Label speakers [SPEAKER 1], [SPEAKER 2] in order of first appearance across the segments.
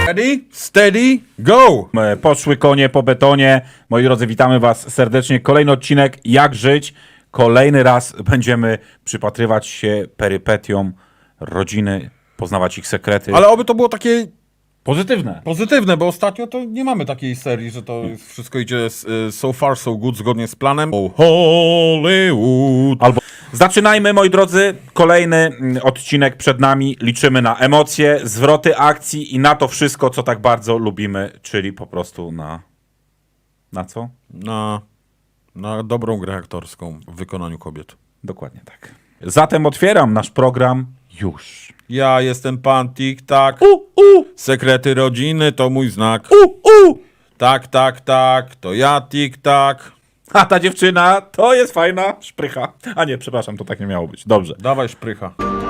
[SPEAKER 1] Ready, steady, go!
[SPEAKER 2] Poszły konie po betonie. Moi drodzy, witamy was serdecznie. Kolejny odcinek Jak żyć. Kolejny raz będziemy przypatrywać się perypetiom rodziny, poznawać ich sekrety.
[SPEAKER 1] Ale oby to było takie
[SPEAKER 2] Pozytywne.
[SPEAKER 1] pozytywne, bo ostatnio to nie mamy takiej serii, że to wszystko idzie so far, so good, zgodnie z planem. Oh, Hollywood.
[SPEAKER 2] Albo zaczynajmy, moi drodzy. Kolejny odcinek przed nami. Liczymy na emocje, zwroty akcji i na to wszystko, co tak bardzo lubimy, czyli po prostu na... Na co?
[SPEAKER 1] Na dobrą grę aktorską w wykonaniu kobiet.
[SPEAKER 2] Dokładnie tak. Zatem otwieram nasz program już.
[SPEAKER 1] Ja jestem pan Tik-Tak. Sekrety rodziny to mój znak. Tak, tak, tak, to ja Tik-Tak.
[SPEAKER 2] A ta dziewczyna to jest fajna szprycha. A nie, przepraszam, to tak nie miało być. Dobrze.
[SPEAKER 1] Dawaj szprycha.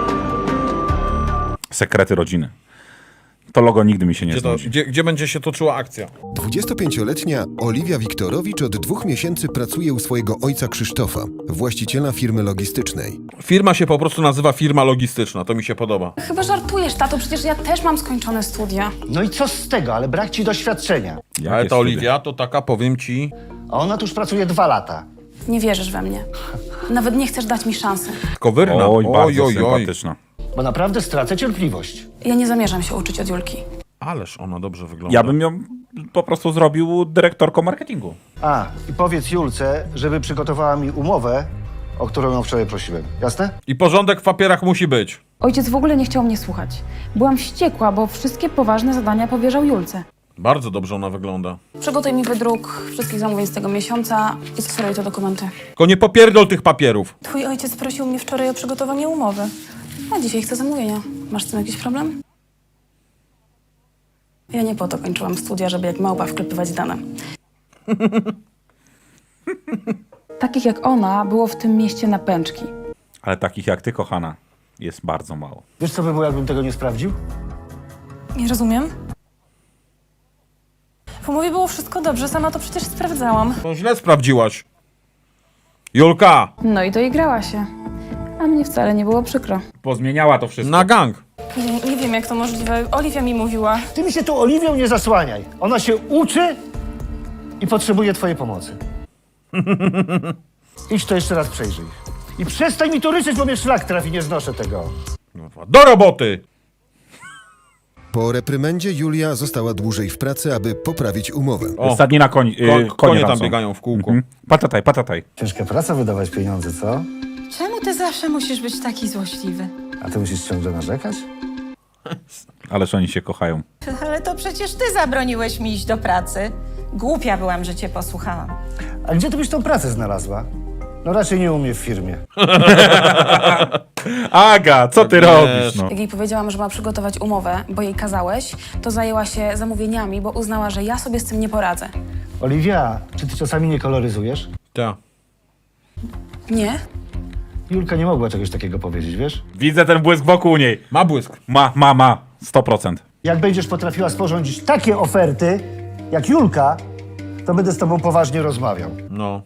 [SPEAKER 2] Sekrety rodziny. To logo nigdy mi się nie znudzi.
[SPEAKER 1] Gdzie będzie się toczyła akcja?
[SPEAKER 3] 25-letnia Oliwia Wiktorowicz od 2 miesięcy pracuje u swojego ojca Krzysztofa, właściciela firmy logistycznej.
[SPEAKER 1] Firma się po prostu nazywa firma logistyczna, to mi się podoba.
[SPEAKER 4] Chyba żartujesz, tato, przecież ja też mam skończone studia.
[SPEAKER 5] No i co z tego, ale brak ci doświadczenia.
[SPEAKER 2] Jakie
[SPEAKER 1] Ale ta
[SPEAKER 2] studia?
[SPEAKER 1] Oliwia to taka, powiem ci...
[SPEAKER 5] A ona tu już pracuje 2 lata.
[SPEAKER 4] Nie wierzysz we mnie. Nawet nie chcesz dać mi szansy.
[SPEAKER 1] Kowyrna.
[SPEAKER 2] Oj, bardzo sympatyczna.
[SPEAKER 5] Bo naprawdę stracę cierpliwość.
[SPEAKER 4] Ja nie zamierzam się uczyć od Julki.
[SPEAKER 1] Ależ ona dobrze wygląda.
[SPEAKER 2] Ja bym ją po prostu zrobił dyrektorką marketingu.
[SPEAKER 5] A, i powiedz Julce, żeby przygotowała mi umowę, o którą ją wczoraj prosiłem. Jasne?
[SPEAKER 1] I porządek w papierach musi być.
[SPEAKER 4] Ojciec w ogóle nie chciał mnie słuchać. Byłam wściekła, bo wszystkie poważne zadania powierzał Julce.
[SPEAKER 1] Bardzo dobrze ona wygląda.
[SPEAKER 4] Przygotuj mi wydruk wszystkich zamówień z tego miesiąca i skseruj te dokumenty.
[SPEAKER 1] Tylko nie popierdol tych papierów.
[SPEAKER 4] Twój ojciec prosił mnie wczoraj o przygotowanie umowy. A dzisiaj chcę zamówienia. Masz z tym jakiś problem? Ja nie po to kończyłam studia, żeby jak małpa wklepywać dane. Takich jak ona było w tym mieście na pęczki.
[SPEAKER 2] Ale takich jak ty, kochana, jest bardzo mało.
[SPEAKER 5] Wiesz, co by było, jakbym tego nie sprawdził?
[SPEAKER 6] Nie rozumiem. W umowie było wszystko dobrze, sama to przecież sprawdzałam.
[SPEAKER 1] To źle sprawdziłaś. Julka,
[SPEAKER 4] No i doigrała się. A mnie wcale nie było przykro.
[SPEAKER 2] Pozmieniała to wszystko.
[SPEAKER 1] na gang.
[SPEAKER 6] Nie wiem, jak to możliwe. Oliwia mi mówiła.
[SPEAKER 5] Ty mi się tu Oliwią nie zasłaniaj. Ona się uczy i potrzebuje twojej pomocy. Idź to jeszcze raz przejrzyj. I przestań mi tu ryczeć, bo mnie szlak trafi, nie znoszę tego.
[SPEAKER 1] Do roboty!
[SPEAKER 3] Po reprymendzie Julia została dłużej w pracy, aby poprawić umowę.
[SPEAKER 1] O,
[SPEAKER 2] Stadnina konie
[SPEAKER 1] tam
[SPEAKER 2] są.
[SPEAKER 1] biegają w kółko.
[SPEAKER 2] Patataj, patataj.
[SPEAKER 5] Ciężka praca wydawać pieniądze, co?
[SPEAKER 7] Czemu ty zawsze musisz być taki złośliwy?
[SPEAKER 5] A ty musisz ciągle narzekać?
[SPEAKER 2] Ależ oni się kochają.
[SPEAKER 7] Ale to przecież ty zabroniłeś mi iść do pracy. Głupia byłam, że cię posłuchałam.
[SPEAKER 5] A gdzie ty byś tą pracę znalazła? No raczej nie u mnie w firmie.
[SPEAKER 2] Aga, co ty robisz? No?
[SPEAKER 4] Jak jej powiedziałam, że ma przygotować umowę, bo jej kazałeś, to zajęła się zamówieniami, bo uznała, że ja sobie z tym nie poradzę.
[SPEAKER 5] Oliwia, czy ty czasami nie koloryzujesz?
[SPEAKER 1] Ta.
[SPEAKER 4] Nie?
[SPEAKER 5] Julka nie mogła czegoś takiego powiedzieć, wiesz?
[SPEAKER 2] Widzę ten błysk wokół niej.
[SPEAKER 1] Ma błysk.
[SPEAKER 2] Ma. 100%.
[SPEAKER 5] Jak będziesz potrafiła sporządzić takie oferty, jak Julka, to będę z tobą poważnie rozmawiał.
[SPEAKER 1] No.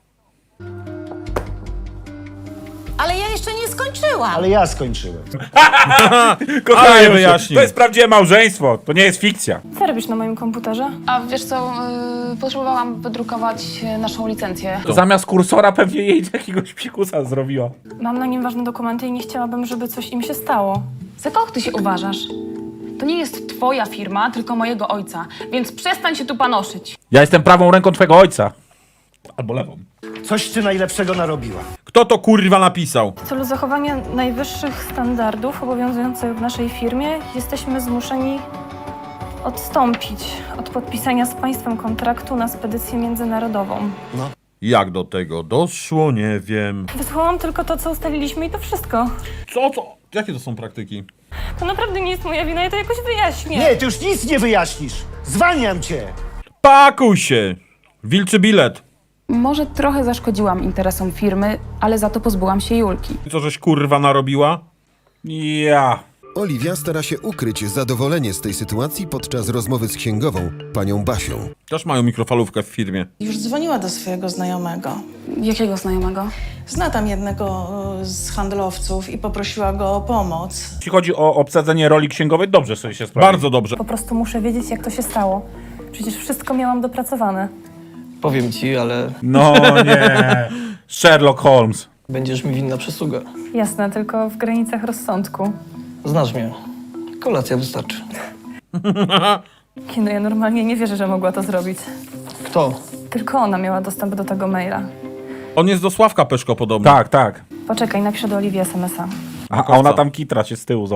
[SPEAKER 7] Ale ja jeszcze nie skończyłam.
[SPEAKER 5] Ale ja skończyłem.
[SPEAKER 2] Kochanie,
[SPEAKER 1] Ale wyjaśnił.
[SPEAKER 2] to jest prawdziwe małżeństwo, to nie jest fikcja.
[SPEAKER 6] Co robisz na moim komputerze?
[SPEAKER 4] A wiesz co, potrzebowałam wydrukować naszą licencję.
[SPEAKER 2] Zamiast kursora pewnie jej jakiegoś pikusa zrobiła.
[SPEAKER 6] Mam na nim ważne dokumenty i nie chciałabym, żeby coś im się stało.
[SPEAKER 4] Za kogo ty się uważasz? To nie jest twoja firma, tylko mojego ojca, więc przestań się tu panoszyć.
[SPEAKER 2] Ja jestem prawą ręką twojego ojca. Albo lewą.
[SPEAKER 5] Coś ty najlepszego narobiła.
[SPEAKER 1] Kto to kurwa napisał?
[SPEAKER 6] W celu zachowania najwyższych standardów obowiązujących w naszej firmie jesteśmy zmuszeni odstąpić od podpisania z państwem kontraktu na spedycję międzynarodową.
[SPEAKER 1] Jak do tego doszło, nie wiem.
[SPEAKER 6] Wysłałam tylko to, co ustaliliśmy i to wszystko.
[SPEAKER 1] Co? Jakie to są praktyki?
[SPEAKER 6] To naprawdę nie jest moja wina, ja to jakoś wyjaśnię.
[SPEAKER 5] Nie, ty już nic nie wyjaśnisz. Zwalniam cię.
[SPEAKER 1] Pakuj się! Wilczy bilet.
[SPEAKER 4] Może trochę zaszkodziłam interesom firmy, ale za to pozbyłam się Julki.
[SPEAKER 1] Co żeś kurwa narobiła?
[SPEAKER 2] Ja.
[SPEAKER 3] Oliwia stara się ukryć zadowolenie z tej sytuacji podczas rozmowy z księgową, panią Basią.
[SPEAKER 1] Też mają mikrofalówkę w firmie.
[SPEAKER 8] Już dzwoniła do swojego znajomego.
[SPEAKER 4] Jakiego znajomego?
[SPEAKER 8] Zna tam jednego z handlowców i poprosiła go o pomoc.
[SPEAKER 2] Jeśli chodzi o obsadzenie roli księgowej, dobrze sobie się sprawdzi.
[SPEAKER 1] Bardzo dobrze.
[SPEAKER 6] Po prostu muszę wiedzieć, jak to się stało. Przecież wszystko miałam dopracowane.
[SPEAKER 9] Powiem ci, ale
[SPEAKER 2] No nie. Sherlock Holmes.
[SPEAKER 9] będziesz mi winna przysługę.
[SPEAKER 6] Jasne, tylko w granicach rozsądku.
[SPEAKER 9] Znasz mnie. Kolacja wystarczy.
[SPEAKER 6] No ja normalnie nie wierzę, że mogła to zrobić.
[SPEAKER 9] Kto?
[SPEAKER 6] Tylko ona miała dostęp do tego maila.
[SPEAKER 1] On jest do Sławka Peszko podobny.
[SPEAKER 2] Tak, tak.
[SPEAKER 6] Poczekaj, napiszę do Oliwii SMS-a.
[SPEAKER 2] A ona tam kitra się z tyłu.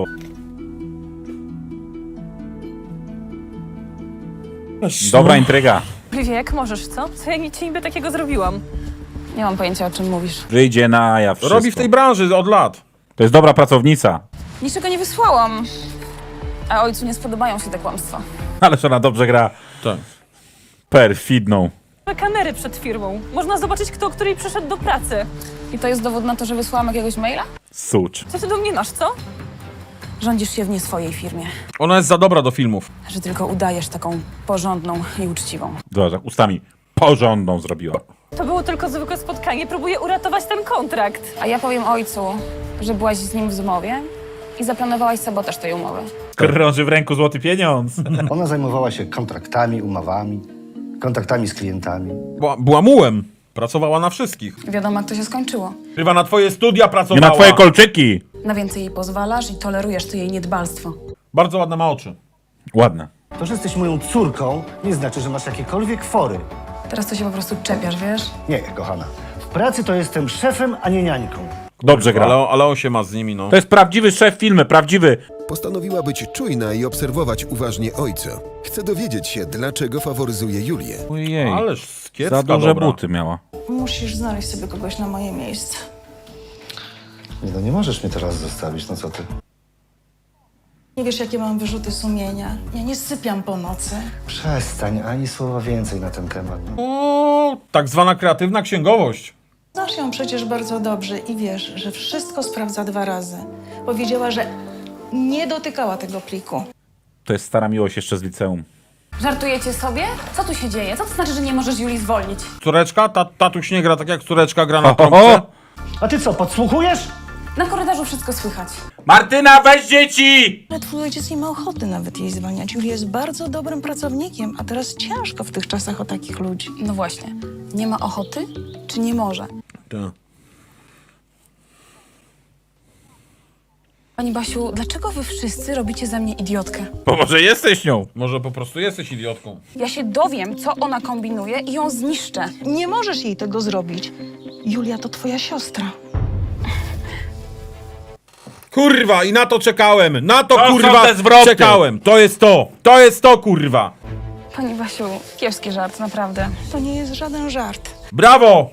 [SPEAKER 2] Dobra intryga.
[SPEAKER 6] Oliwia, jak możesz, co? Co ja nic ci niby takiego zrobiłam?
[SPEAKER 4] Nie mam pojęcia, o czym mówisz.
[SPEAKER 2] Wyjdzie na jaw wszystko.
[SPEAKER 1] Robi w tej branży od lat.
[SPEAKER 2] To jest dobra pracownica.
[SPEAKER 4] Niczego nie wysłałam. A ojcu nie spodobają się te kłamstwa.
[SPEAKER 2] Ależ ona dobrze gra.
[SPEAKER 1] Tak.
[SPEAKER 2] Perfidną.
[SPEAKER 6] Kamery przed firmą. Można zobaczyć, kto o której przyszedł do pracy.
[SPEAKER 4] I to jest dowód na to, że wysłałam jakiegoś maila?
[SPEAKER 2] Sucz.
[SPEAKER 6] Co ty do mnie masz, co?
[SPEAKER 4] Rządzisz się w nie swojej firmie.
[SPEAKER 1] Ona jest za dobra do filmów.
[SPEAKER 4] Że tylko udajesz taką porządną i uczciwą.
[SPEAKER 2] Zobacz, jak ustami porządną zrobiła.
[SPEAKER 6] To było tylko zwykłe spotkanie. Próbuję uratować ten kontrakt.
[SPEAKER 4] A ja powiem ojcu, że byłaś z nim w zmowie i zaplanowałaś sabotaż tej umowy.
[SPEAKER 2] Krąży w ręku złoty pieniądz.
[SPEAKER 5] Ona zajmowała się kontraktami, umowami, kontaktami z klientami.
[SPEAKER 1] Była mułem. Pracowała na wszystkich.
[SPEAKER 4] Wiadomo, jak to się skończyło.
[SPEAKER 1] Chyba na twoje studia
[SPEAKER 2] Nie
[SPEAKER 1] pracowała.
[SPEAKER 2] na twoje kolczyki.
[SPEAKER 4] Na więcej jej pozwalasz i tolerujesz to jej niedbalstwo.
[SPEAKER 1] Bardzo ładne ma oczy.
[SPEAKER 2] Ładne.
[SPEAKER 5] To, że jesteś moją córką, nie znaczy, że masz jakiekolwiek fory.
[SPEAKER 4] Teraz to się po prostu czepiasz, wiesz?
[SPEAKER 5] Nie, kochana. W pracy to jestem szefem, a nie niańką.
[SPEAKER 2] Dobrze gra.
[SPEAKER 1] Ale on się ma z nimi, no.
[SPEAKER 2] To jest prawdziwy szef filmy, prawdziwy.
[SPEAKER 3] Postanowiła być czujna i obserwować uważnie ojca. Chce dowiedzieć się, dlaczego faworyzuje Julię.
[SPEAKER 2] Ojej.
[SPEAKER 1] Ależ skiecka
[SPEAKER 2] Za duże
[SPEAKER 1] dobra.
[SPEAKER 2] buty miała.
[SPEAKER 8] Musisz znaleźć sobie kogoś na moje miejsce.
[SPEAKER 5] Nie, no nie możesz mnie teraz zostawić, no co ty?
[SPEAKER 8] Nie wiesz, jakie mam wyrzuty sumienia. Ja nie sypiam po nocy.
[SPEAKER 5] Przestań, ani słowa więcej na ten temat.
[SPEAKER 1] O, tak zwana kreatywna księgowość.
[SPEAKER 8] Znasz ją przecież bardzo dobrze i wiesz, że wszystko sprawdza 2 razy. Powiedziała, że nie dotykała tego pliku.
[SPEAKER 2] To jest stara miłość jeszcze z liceum.
[SPEAKER 4] Żartujecie sobie? Co tu się dzieje? Co to znaczy, że nie możesz Julii zwolnić?
[SPEAKER 1] Córeczka? Tatuś nie gra tak jak córeczka gra na trąbce.
[SPEAKER 5] A ty co, podsłuchujesz?
[SPEAKER 4] Na korytarzu wszystko słychać.
[SPEAKER 2] Martyna, weź dzieci!
[SPEAKER 8] Ale twój ojciec nie ma ochoty nawet jej zwalniać. Julia jest bardzo dobrym pracownikiem, a teraz ciężko w tych czasach o takich ludzi.
[SPEAKER 4] No właśnie. Nie ma ochoty? Czy nie może?
[SPEAKER 1] Tak.
[SPEAKER 4] Pani Basiu, dlaczego wy wszyscy robicie ze mnie idiotkę?
[SPEAKER 2] Bo może jesteś nią.
[SPEAKER 1] Może po prostu jesteś idiotką.
[SPEAKER 4] Ja się dowiem, co ona kombinuje i ją zniszczę.
[SPEAKER 8] Nie możesz jej tego zrobić. Julia to twoja siostra.
[SPEAKER 1] Kurwa, i na to czekałem! Na to,
[SPEAKER 2] To są
[SPEAKER 1] kurwa,
[SPEAKER 2] te zwroty.
[SPEAKER 1] czekałem! To jest to! To jest to, kurwa!
[SPEAKER 4] Pani Basiu, kiepski żart, naprawdę.
[SPEAKER 8] To nie jest żaden żart.
[SPEAKER 1] Brawo!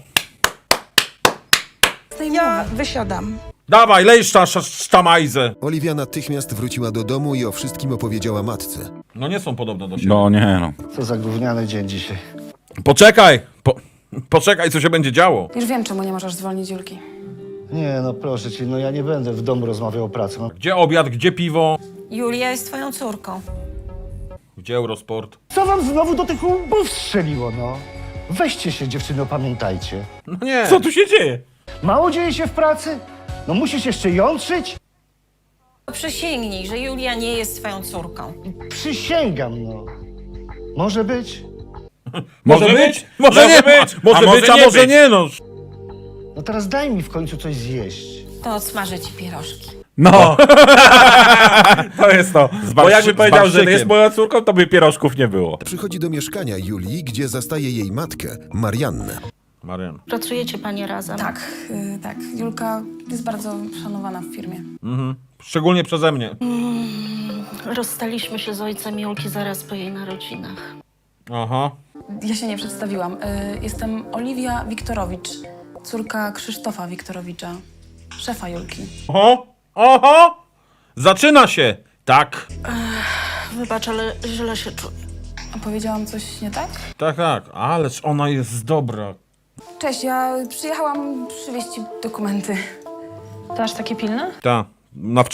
[SPEAKER 8] Ja wysiadam.
[SPEAKER 1] Dawaj, lej sztamajzę!
[SPEAKER 3] Oliwia natychmiast wróciła do domu i o wszystkim opowiedziała matce.
[SPEAKER 1] No nie są podobne do siebie.
[SPEAKER 2] No nie no.
[SPEAKER 5] Co za gówniany dzień dzisiaj.
[SPEAKER 1] Poczekaj! Poczekaj, co się będzie działo.
[SPEAKER 4] Już wiem, czemu nie możesz zwolnić Julki.
[SPEAKER 5] Nie, no proszę cię, no ja nie będę w domu rozmawiał o pracy. No,
[SPEAKER 1] Gdzie obiad, gdzie piwo,
[SPEAKER 7] Julia jest twoją córką.
[SPEAKER 1] gdzie Eurosport?
[SPEAKER 5] co wam znowu do tych łbów strzeliło, no? Weźcie się, dziewczyny, opamiętajcie.
[SPEAKER 1] No nie.
[SPEAKER 2] Co tu się dzieje?
[SPEAKER 5] Mało dzieje się w pracy? No musisz jeszcze jątrzyć?
[SPEAKER 7] Przysięgnij, że Julia nie jest twoją córką.
[SPEAKER 5] Przysięgam, no. Może być?
[SPEAKER 1] Może być? Może nie być! Może
[SPEAKER 2] A
[SPEAKER 1] być, a
[SPEAKER 2] nie
[SPEAKER 1] może
[SPEAKER 2] być.
[SPEAKER 1] nie, no.
[SPEAKER 5] No teraz daj mi w końcu coś zjeść.
[SPEAKER 7] To odsmażę ci pierożki.
[SPEAKER 2] No. To jest to. Bo jakby
[SPEAKER 1] z
[SPEAKER 2] powiedział, że
[SPEAKER 1] barszczykiem.
[SPEAKER 2] jest moją córką, to by pierożków nie było.
[SPEAKER 3] Przychodzi do mieszkania Julii, gdzie zastaje jej matkę, Mariannę.
[SPEAKER 1] Marian.
[SPEAKER 7] Pracujecie panie razem?
[SPEAKER 4] Tak, tak. Julka jest bardzo szanowana w firmie.
[SPEAKER 1] Szczególnie przeze mnie.
[SPEAKER 10] Rozstaliśmy się z ojcem Julki zaraz po jej narodzinach.
[SPEAKER 1] Aha.
[SPEAKER 4] Ja się nie przedstawiłam. Jestem Oliwia Wiktorowicz, córka Krzysztofa Wiktorowicza, szefa Julki.
[SPEAKER 1] Oho! Oho! Zaczyna się! Tak.
[SPEAKER 10] Wybacz, ale źle się czuję.
[SPEAKER 4] A powiedziałam coś nie tak?
[SPEAKER 1] Tak, tak. Ależ ona jest dobra.
[SPEAKER 4] Cześć, ja przyjechałam przywieźć ci dokumenty.
[SPEAKER 6] To aż takie pilne?
[SPEAKER 1] Ta. Na wczoraj.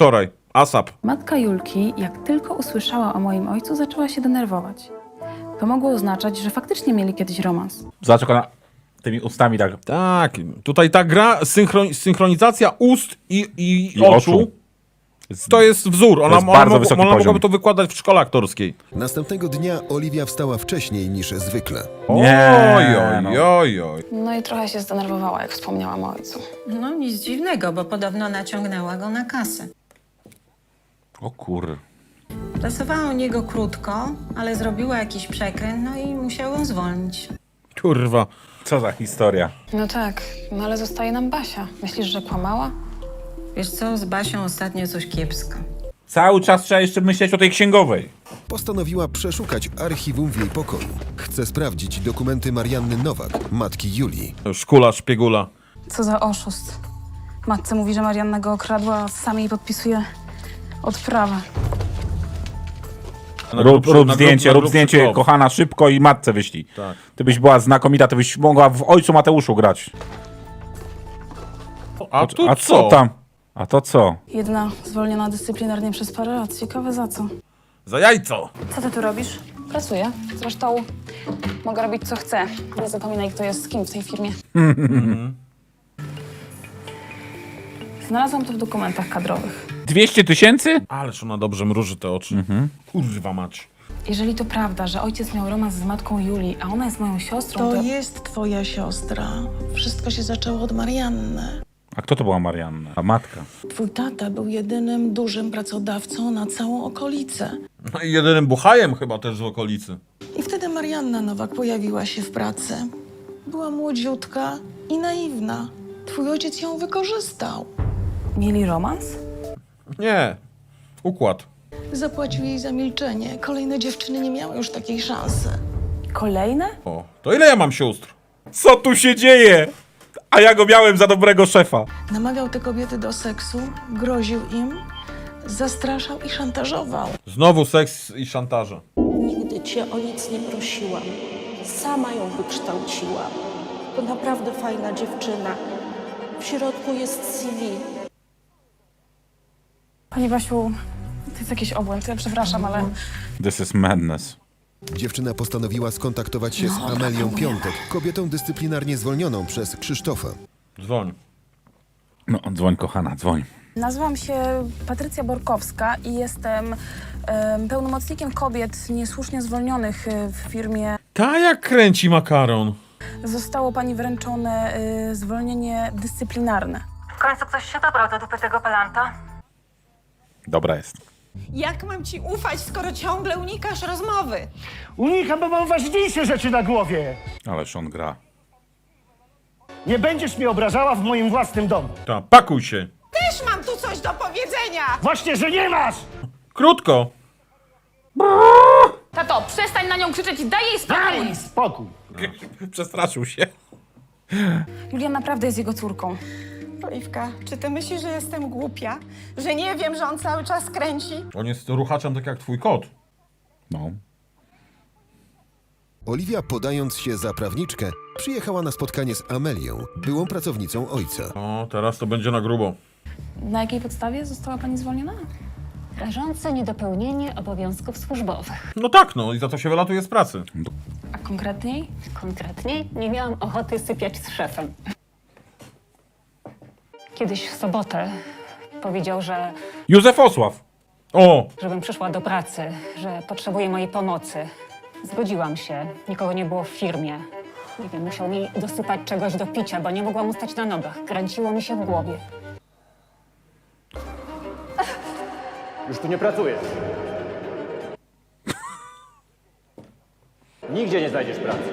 [SPEAKER 1] ASAP.
[SPEAKER 4] Matka Julki, jak tylko usłyszała o moim ojcu, zaczęła się denerwować. To mogło oznaczać, że faktycznie mieli kiedyś romans.
[SPEAKER 2] Zobacz, jak ona tymi ustami tak...
[SPEAKER 1] Tak, tutaj ta gra, synchronizacja ust i
[SPEAKER 2] I
[SPEAKER 1] oczu, to jest wzór. Ona,
[SPEAKER 2] jest bardzo wysoki
[SPEAKER 1] ona
[SPEAKER 2] poziom.
[SPEAKER 1] mogłaby to wykładać w szkole aktorskiej.
[SPEAKER 3] Następnego dnia Oliwia wstała wcześniej niż zwykle.
[SPEAKER 2] Nie,
[SPEAKER 1] Oj.
[SPEAKER 4] No i trochę się zdenerwowała, jak wspomniałam o ojcu.
[SPEAKER 7] No nic dziwnego, bo podobno naciągnęła go na kasę.
[SPEAKER 2] O kur...
[SPEAKER 7] Pracowała u niego krótko, ale zrobiła jakiś przekręt, no i musiał ją zwolnić.
[SPEAKER 1] Kurwa.
[SPEAKER 2] Co za historia.
[SPEAKER 4] No tak, no ale zostaje nam Basia. Myślisz, że kłamała?
[SPEAKER 7] Wiesz co, z Basią ostatnio coś kiepsko.
[SPEAKER 2] Cały czas trzeba jeszcze myśleć o tej księgowej.
[SPEAKER 3] Postanowiła przeszukać archiwum w jej pokoju. Chce sprawdzić dokumenty Marianny Nowak, matki Julii.
[SPEAKER 1] Szkula, szpiegula.
[SPEAKER 4] Co za oszust. Matce mówi, że Marianna go okradła, a sam jej podpisuje odprawę.
[SPEAKER 2] Rób zdjęcie,
[SPEAKER 1] na grubszy kow.
[SPEAKER 2] kochana, szybko i matce wyślij.
[SPEAKER 1] Tak.
[SPEAKER 2] Ty byś była znakomita, ty byś mogła w Ojcu Mateuszu grać.
[SPEAKER 1] A tu
[SPEAKER 2] A co tam? A to co?
[SPEAKER 4] Jedna zwolniona dyscyplinarnie przez parę lat. Ciekawe za co.
[SPEAKER 1] Za jajco.
[SPEAKER 4] Co ty tu robisz? Pracuję. Zresztą mogę robić co chcę. Nie zapominaj, kto jest z kim w tej firmie. Znalazłam to w dokumentach kadrowych.
[SPEAKER 2] 200 000?
[SPEAKER 1] Ależ ona dobrze mruży te oczy. Kurwa mać.
[SPEAKER 4] Jeżeli to prawda, że ojciec miał romans z matką Julii, a ona jest moją siostrą,
[SPEAKER 8] To jest twoja siostra. Wszystko się zaczęło od Marianny.
[SPEAKER 2] A kto to była Marianna? A matka.
[SPEAKER 8] Twój tata był jedynym dużym pracodawcą na całą okolicę.
[SPEAKER 1] No i jedynym buchajem chyba też z okolicy.
[SPEAKER 8] I wtedy Marianna Nowak pojawiła się w pracy. Była młodziutka i naiwna. Twój ojciec ją wykorzystał.
[SPEAKER 4] mieli romans?
[SPEAKER 1] Nie. Układ.
[SPEAKER 8] Zapłacił jej za milczenie. Kolejne dziewczyny nie miały już takiej szansy.
[SPEAKER 4] Kolejne?
[SPEAKER 1] O, to ile ja mam sióstr?
[SPEAKER 2] Co tu się dzieje? A ja go miałem za dobrego szefa.
[SPEAKER 8] Namawiał te kobiety do seksu, groził im, zastraszał i szantażował.
[SPEAKER 1] Znowu seks i szantaże.
[SPEAKER 10] Nigdy cię o nic nie prosiłam. Sama ją wykształciłam. To naprawdę fajna dziewczyna. W środku jest CV.
[SPEAKER 4] Pani Basiu, to jest jakiś obłęd. Ja przepraszam, ale
[SPEAKER 2] This is madness.
[SPEAKER 3] Dziewczyna postanowiła skontaktować się z Amelią Piątek, kobietą dyscyplinarnie zwolnioną przez Krzysztofa.
[SPEAKER 1] Dzwoń.
[SPEAKER 2] No, dzwoń kochana, dzwoń.
[SPEAKER 4] nazywam się Patrycja Borkowska i jestem pełnomocnikiem kobiet niesłusznie zwolnionych w firmie.
[SPEAKER 1] Ta jak kręci makaron.
[SPEAKER 4] Zostało pani wręczone zwolnienie dyscyplinarne.
[SPEAKER 6] W końcu ktoś się dobrał do dupy tego pelanta.
[SPEAKER 2] Dobra jest.
[SPEAKER 7] Jak mam ci ufać, skoro ciągle unikasz rozmowy?
[SPEAKER 5] Unikam, bo mam ważniejsze rzeczy na głowie.
[SPEAKER 2] Ależ on gra.
[SPEAKER 5] Nie będziesz mnie obrażała w moim własnym domu.
[SPEAKER 1] Ta, pakuj się.
[SPEAKER 7] Też mam tu coś do powiedzenia!
[SPEAKER 5] Właśnie, że nie masz!
[SPEAKER 1] Krótko.
[SPEAKER 4] Tato, przestań na nią krzyczeć i daj jej spokój!
[SPEAKER 5] Daj spokój.
[SPEAKER 2] Przestraszył się.
[SPEAKER 4] Julia naprawdę jest jego córką.
[SPEAKER 7] Oliwka, czy ty myślisz, że jestem głupia? Że nie wiem, że on cały czas kręci?
[SPEAKER 1] On jest ruchaczem tak jak twój kot.
[SPEAKER 2] No.
[SPEAKER 3] Oliwia, podając się za prawniczkę, przyjechała na spotkanie z Amelią, byłą pracownicą ojca.
[SPEAKER 1] O, teraz to będzie na grubo.
[SPEAKER 4] Na jakiej podstawie została pani zwolniona?
[SPEAKER 10] Rażące niedopełnienie obowiązków służbowych.
[SPEAKER 1] No tak, no i za to się wylatuje z pracy.
[SPEAKER 4] A konkretniej?
[SPEAKER 10] Konkretniej nie miałam ochoty sypiać z szefem. Kiedyś w sobotę powiedział, że
[SPEAKER 2] Józef Osław.
[SPEAKER 1] O,
[SPEAKER 10] żebym przyszła do pracy, że potrzebuje mojej pomocy. Zgodziłam się. Nikogo nie było w firmie. Nie wiem, musiał mi dosypać czegoś do picia, bo nie mogłam ustać na nogach. Kręciło mi się w głowie.
[SPEAKER 11] Już tu nie pracujesz. Nigdzie nie znajdziesz pracy.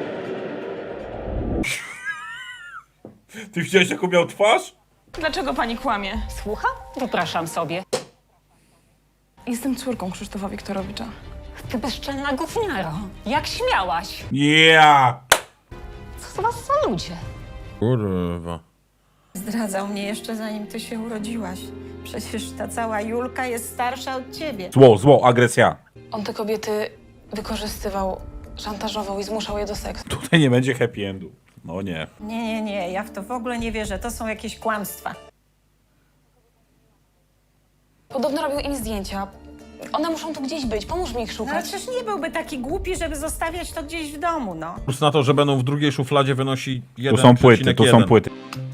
[SPEAKER 2] Ty widziałeś, jaką miał twarz?
[SPEAKER 4] Dlaczego pani kłamie?
[SPEAKER 10] Słucham? Wypraszam sobie.
[SPEAKER 4] Jestem córką Krzysztofa Wiktorowicza.
[SPEAKER 10] Ty bezczelna gówniaro. Jak śmiałaś?
[SPEAKER 2] Ja.
[SPEAKER 10] Co z was za ludzie?
[SPEAKER 1] kurwa.
[SPEAKER 7] Zdradzał mnie jeszcze zanim ty się urodziłaś. Przecież ta cała Julka jest starsza od ciebie.
[SPEAKER 2] Zło, agresja.
[SPEAKER 4] On te kobiety wykorzystywał, szantażował i zmuszał je do seksu.
[SPEAKER 2] Tutaj nie będzie happy endu. No nie.
[SPEAKER 7] Nie, ja w to w ogóle nie wierzę. To są jakieś kłamstwa.
[SPEAKER 4] Podobno robił im zdjęcia. One muszą tu gdzieś być, pomóż mi ich
[SPEAKER 7] No
[SPEAKER 4] szukać.
[SPEAKER 7] przecież nie byłby taki głupi, żeby zostawiać to gdzieś w domu, no.
[SPEAKER 1] Plus na to, że będą w drugiej szufladzie wynosi 1,1.
[SPEAKER 2] Tu są płyty, tu są płyty.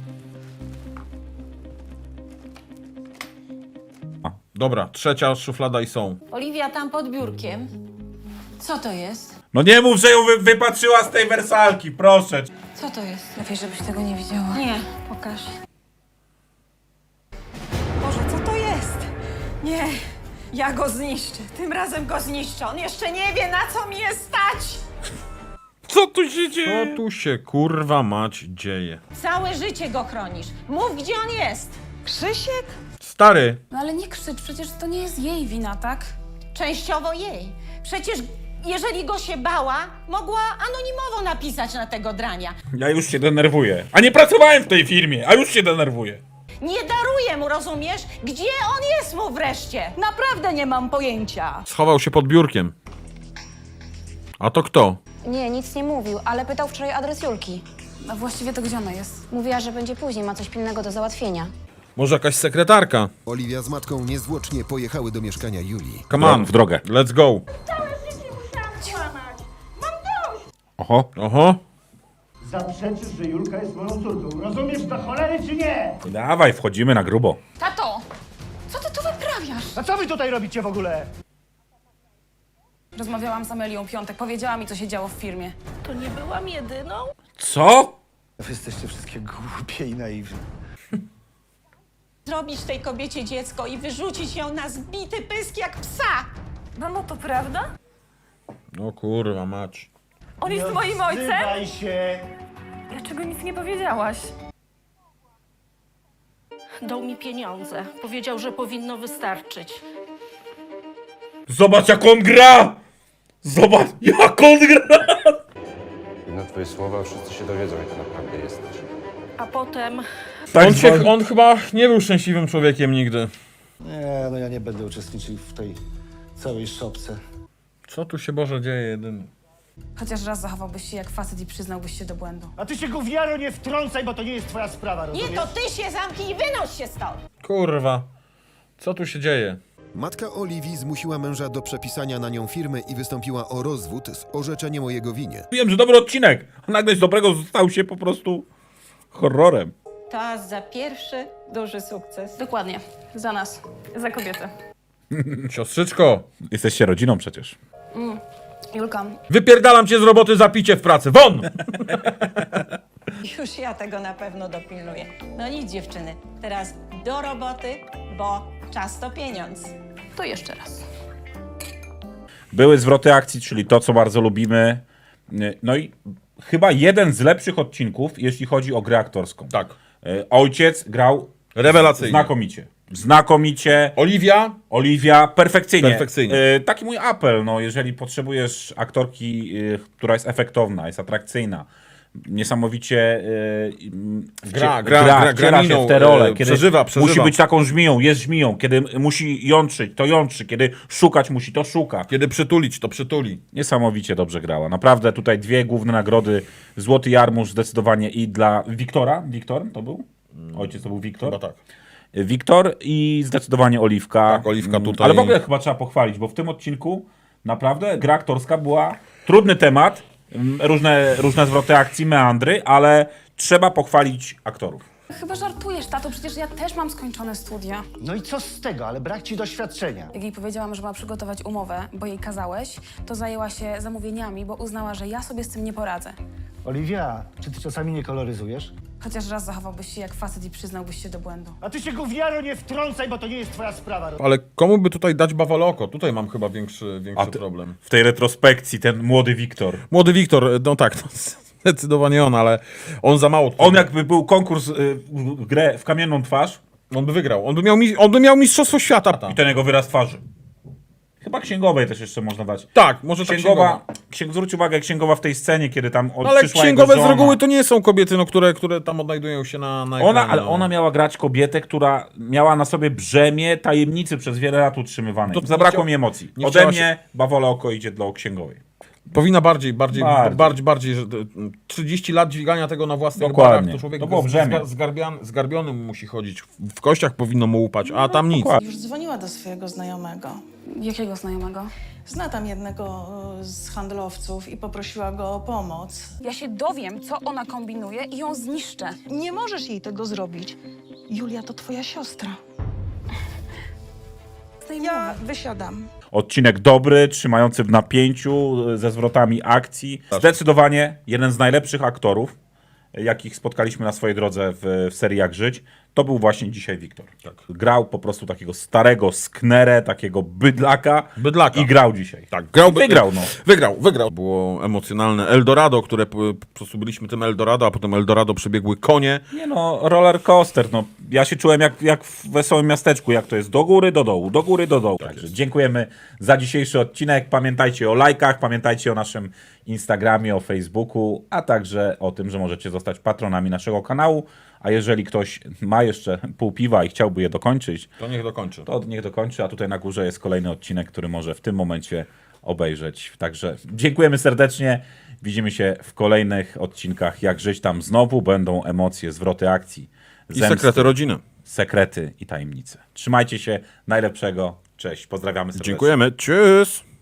[SPEAKER 1] Dobra, trzecia szuflada i są.
[SPEAKER 7] Oliwia, tam pod biurkiem. Co to jest?
[SPEAKER 2] No nie mów, że ją wypatrzyła z tej wersalki, proszę.
[SPEAKER 7] Co to jest?
[SPEAKER 4] Lepiej, żebyś tego nie widziała.
[SPEAKER 7] Nie, pokaż. Boże, co to jest? Nie, ja go zniszczę. Tym razem go zniszczę. On jeszcze nie wie, na co mi jest stać.
[SPEAKER 2] Co tu się dzieje?
[SPEAKER 1] Co tu się kurwa mać dzieje?
[SPEAKER 7] Całe życie go chronisz. Mów, gdzie on jest. Krzysiek?
[SPEAKER 1] Stary,
[SPEAKER 4] No ale nie krzycz, przecież to nie jest jej wina, tak?
[SPEAKER 7] Częściowo jej. Przecież jeżeli go się bała, mogła anonimowo napisać na tego drania.
[SPEAKER 2] Ja już się denerwuję. A nie pracowałem w tej firmie, a już się denerwuję.
[SPEAKER 7] Nie daruję mu, rozumiesz? Gdzie on jest mu wreszcie?
[SPEAKER 8] Naprawdę nie mam pojęcia.
[SPEAKER 1] schował się pod biurkiem. A to kto?
[SPEAKER 12] Nie, nic nie mówił, ale pytał wczoraj adres Julki.
[SPEAKER 4] A właściwie to gdzie ona jest?
[SPEAKER 12] Mówiła, że będzie później, ma coś pilnego do załatwienia.
[SPEAKER 1] Może jakaś sekretarka?
[SPEAKER 3] Oliwia z matką niezwłocznie pojechały do mieszkania Julii.
[SPEAKER 1] Come on,
[SPEAKER 2] W drogę.
[SPEAKER 1] let's go.
[SPEAKER 2] Oho.
[SPEAKER 1] Oho.
[SPEAKER 5] Zaprzeczysz, że Julka jest moją córką. Rozumiesz to cholery czy nie?
[SPEAKER 2] Dawaj, wchodzimy na grubo.
[SPEAKER 4] Tato! Co ty tu wyprawiasz?
[SPEAKER 5] A co wy tutaj robicie w ogóle?
[SPEAKER 4] Rozmawiałam z Amelią Piątek, powiedziała mi, co się działo w firmie.
[SPEAKER 8] To nie byłam jedyną?
[SPEAKER 2] Co?
[SPEAKER 5] Wy jesteście wszystkie głupie i naiwni.
[SPEAKER 7] Zrobić tej kobiecie dziecko i wyrzucić ją na zbity pysk jak psa.
[SPEAKER 6] Mamo, to prawda?
[SPEAKER 1] No kurwa mać.
[SPEAKER 6] On jest moim ojcem?
[SPEAKER 5] Zrywaj się!
[SPEAKER 6] Dlaczego nic nie powiedziałaś?
[SPEAKER 8] Dał mi pieniądze. Powiedział, że powinno wystarczyć.
[SPEAKER 2] Zobacz jak on gra! Zobacz jak on gra!
[SPEAKER 11] Na twoje słowa wszyscy się dowiedzą, jak to naprawdę jesteś.
[SPEAKER 8] A potem
[SPEAKER 2] Tak
[SPEAKER 1] On chyba nie był szczęśliwym człowiekiem nigdy.
[SPEAKER 5] Nie, no ja nie będę uczestniczył w tej całej szopce.
[SPEAKER 1] Co tu się Boże dzieje jedyny?
[SPEAKER 4] Chociaż raz zachowałbyś się jak facet i przyznałbyś się do błędu.
[SPEAKER 5] A ty się gówniaro nie wtrącaj, bo to nie jest twoja sprawa, rozumiesz?
[SPEAKER 7] Nie, to ty się zamknij i wynoś się stąd.
[SPEAKER 1] Kurwa. Co tu się dzieje?
[SPEAKER 3] Matka Oliwii zmusiła męża do przepisania na nią firmy i wystąpiła o rozwód z orzeczeniem o jego winie.
[SPEAKER 2] Wiem, że dobry odcinek, a nagle z dobrego stał się po prostu horrorem.
[SPEAKER 7] To za pierwszy duży sukces.
[SPEAKER 4] Dokładnie. Za nas.
[SPEAKER 6] Za kobietę.
[SPEAKER 1] Siostrzyczko,
[SPEAKER 2] Jesteście rodziną przecież.
[SPEAKER 4] Julka,
[SPEAKER 1] wypierdalam cię z roboty za picie w pracy. Won!
[SPEAKER 7] Już ja tego na pewno dopilnuję. No nic, dziewczyny. Teraz do roboty, bo czas to pieniądz.
[SPEAKER 4] to jeszcze raz.
[SPEAKER 2] Były zwroty akcji, czyli to, co bardzo lubimy. No i chyba jeden z lepszych odcinków, jeśli chodzi o grę aktorską.
[SPEAKER 1] Tak.
[SPEAKER 2] Ojciec grał
[SPEAKER 1] Rewelacyjnie.
[SPEAKER 2] znakomicie. Znakomicie.
[SPEAKER 1] Oliwia,
[SPEAKER 2] Perfekcyjnie.
[SPEAKER 1] Perfekcyjnie.
[SPEAKER 2] Taki mój apel, no, jeżeli potrzebujesz aktorki, która jest efektowna, jest atrakcyjna, niesamowicie wciela się
[SPEAKER 1] miną,
[SPEAKER 2] w te role, kiedy
[SPEAKER 1] przeżywa.
[SPEAKER 2] musi być taką żmiją, jest żmiją, kiedy musi jątrzyć, to jątrzy, kiedy szukać musi, to szuka.
[SPEAKER 1] Kiedy przytulić, to przytuli.
[SPEAKER 2] Niesamowicie dobrze grała. Naprawdę tutaj dwie główne nagrody. Złoty Jarmuż zdecydowanie i dla Wiktora. Wiktor to był? Ojciec to był Wiktor?
[SPEAKER 1] Chyba tak.
[SPEAKER 2] Wiktor i zdecydowanie Oliwka.
[SPEAKER 1] Tak, Oliwka tutaj.
[SPEAKER 2] Ale w ogóle chyba trzeba pochwalić, bo w tym odcinku naprawdę gra aktorska była trudny temat, różne zwroty akcji, meandry, ale trzeba pochwalić aktorów.
[SPEAKER 4] Chyba żartujesz, tato, przecież ja też mam skończone studia.
[SPEAKER 5] No i co z tego, ale brak ci doświadczenia.
[SPEAKER 4] Jak jej powiedziałam, że ma przygotować umowę, bo jej kazałeś, to zajęła się zamówieniami, bo uznała, że ja sobie z tym nie poradzę.
[SPEAKER 5] Oliwia, czy ty czasami nie koloryzujesz?
[SPEAKER 4] Chociaż raz zachowałbyś się jak facet i przyznałbyś się do błędu.
[SPEAKER 5] A ty się gówniaro nie wtrącaj, bo to nie jest twoja sprawa.
[SPEAKER 1] Ale komu by tutaj dać bawaloko? Tutaj mam chyba większy problem.
[SPEAKER 2] W tej retrospekcji ten młody Wiktor.
[SPEAKER 1] Młody Wiktor, no tak, no, zdecydowanie on, ale on za mało.
[SPEAKER 2] On jakby był konkurs grę w kamienną twarz
[SPEAKER 1] On by wygrał. On by miał mistrzostwo świata.
[SPEAKER 2] i ten jego wyraz twarzy. Chyba księgowej też jeszcze można dać.
[SPEAKER 1] Tak, może tak księgowa.
[SPEAKER 2] Zwróć uwagę, księgowa w tej scenie, kiedy tam
[SPEAKER 1] Ale
[SPEAKER 2] przyszła
[SPEAKER 1] księgowe
[SPEAKER 2] jego
[SPEAKER 1] z
[SPEAKER 2] żona.
[SPEAKER 1] reguły to nie są kobiety, no, które tam odnajdują się na ekranie.
[SPEAKER 2] Ale ona miała grać kobietę, która miała na sobie brzemię tajemnicy przez wiele lat utrzymywanej.
[SPEAKER 1] To
[SPEAKER 2] Zabrakło
[SPEAKER 1] nie
[SPEAKER 2] mi emocji.
[SPEAKER 1] nie
[SPEAKER 2] Ode
[SPEAKER 1] chciała
[SPEAKER 2] mnie bawole oko idzie dla księgowej.
[SPEAKER 1] Powinna bardziej, że 30 lat dźwigania tego na własnych
[SPEAKER 2] Dokładnie.
[SPEAKER 1] barach, to człowiek
[SPEAKER 2] To było brzemię.
[SPEAKER 1] zgarbionym musi chodzić. W kościach powinno mu upać, a tam nic.
[SPEAKER 8] Już dzwoniła do swojego znajomego.
[SPEAKER 4] Jakiego znajomego?
[SPEAKER 8] Zna tam jednego z handlowców i poprosiła go o pomoc.
[SPEAKER 4] Ja się dowiem, co ona kombinuje i ją zniszczę.
[SPEAKER 8] Nie możesz jej tego zrobić. Julia to twoja siostra. Ja wysiadam.
[SPEAKER 2] Odcinek dobry, trzymający w napięciu, ze zwrotami akcji. Zdecydowanie jeden z najlepszych aktorów, jakich spotkaliśmy na swojej drodze w serii Jak Żyć. To był właśnie dzisiaj Wiktor.
[SPEAKER 1] Tak.
[SPEAKER 2] Grał po prostu takiego starego sknerę, takiego bydlaka. I grał dzisiaj.
[SPEAKER 1] Tak,
[SPEAKER 2] Wygrał, no.
[SPEAKER 1] Wygrał. Było emocjonalne Eldorado, które po prostu byliśmy tym Eldorado, a potem Eldorado przebiegły konie.
[SPEAKER 2] Nie no, roller coaster, no. Ja się czułem jak w Wesołym Miasteczku, jak to jest do góry, do dołu, do góry, do dołu. Także dziękujemy za dzisiejszy odcinek. Pamiętajcie o lajkach, pamiętajcie o naszym Instagramie, o Facebooku, a także o tym, że możecie zostać patronami naszego kanału. A jeżeli ktoś ma jeszcze pół piwa i chciałby je dokończyć,
[SPEAKER 1] To niech dokończy.
[SPEAKER 2] to niech dokończy, a tutaj na górze jest kolejny odcinek, który może w tym momencie obejrzeć. Także dziękujemy serdecznie. Widzimy się w kolejnych odcinkach Jak Żyć. Tam znowu będą emocje, zwroty akcji,
[SPEAKER 1] I sekrety rodziny.
[SPEAKER 2] sekrety i tajemnice. Trzymajcie się. Najlepszego. Cześć. Pozdrawiamy serdecznie.
[SPEAKER 1] Dziękujemy. Tschüss.